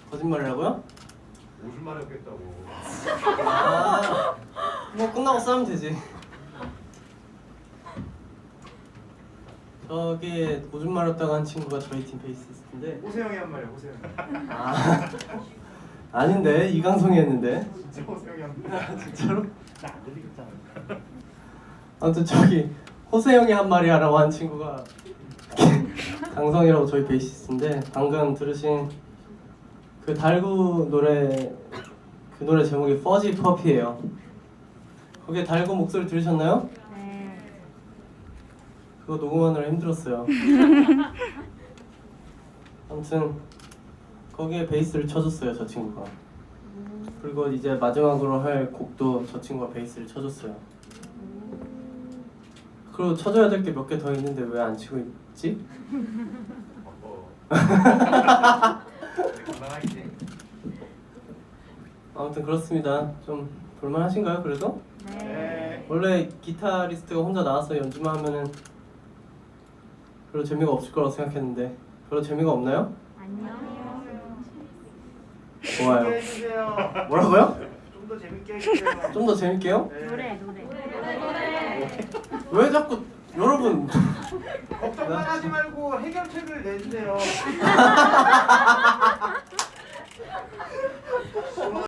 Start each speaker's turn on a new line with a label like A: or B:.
A: 거짓말이라고요?
B: 오줌마려 겠다고.
A: 아, 뭐 끝나고 싸면 되지. 저기 오줌 마렸다고 한 친구가 저희 팀 베이시스트인데.
B: 호세영이 한 말이야, 호세영.
A: 아, 아닌데 이강성이 했는데.
B: 진짜 호세영이 한 말.
A: 진짜로?
B: 나안 들리겠잖아.
A: 아무튼 저기 호세영이 한 말이 하라고 한 친구가 강성이라고 저희 베이시스트인데, 방금 들으신 그 달구 노래, 그 노래 제목이 퍼지 퍼피예요. 거기에 달구 목소리 들으셨나요?
C: 네.
A: 그거 녹음하느라 힘들었어요. 아무튼 거기에 베이스를 쳐줬어요, 저 친구가. 그리고 이제 마지막으로 할 곡도 저 친구가 베이스를 쳐줬어요. 그리고 쳐줘야 될 게 몇 개 더 있는데 왜 안 치고 있지?
B: 건강하지.
A: 아무튼 그렇습니다. 좀 볼만하신가요, 그래도?
B: 네.
A: 원래 기타리스트가 혼자 나와서 연주만 하면은 별로 재미가 없을 거라고 생각했는데 별로 재미가 없나요?
C: 안녕.
A: 좋아요.
B: 해주세요.
A: 뭐라고요?
B: 좀 더 재밌게 해주세요.
A: 좀 더 재밌게요?
B: 네.
C: 노래.
A: 왜 자꾸 여러분
B: 걱정만 하지 말고 해결책을 내주세요.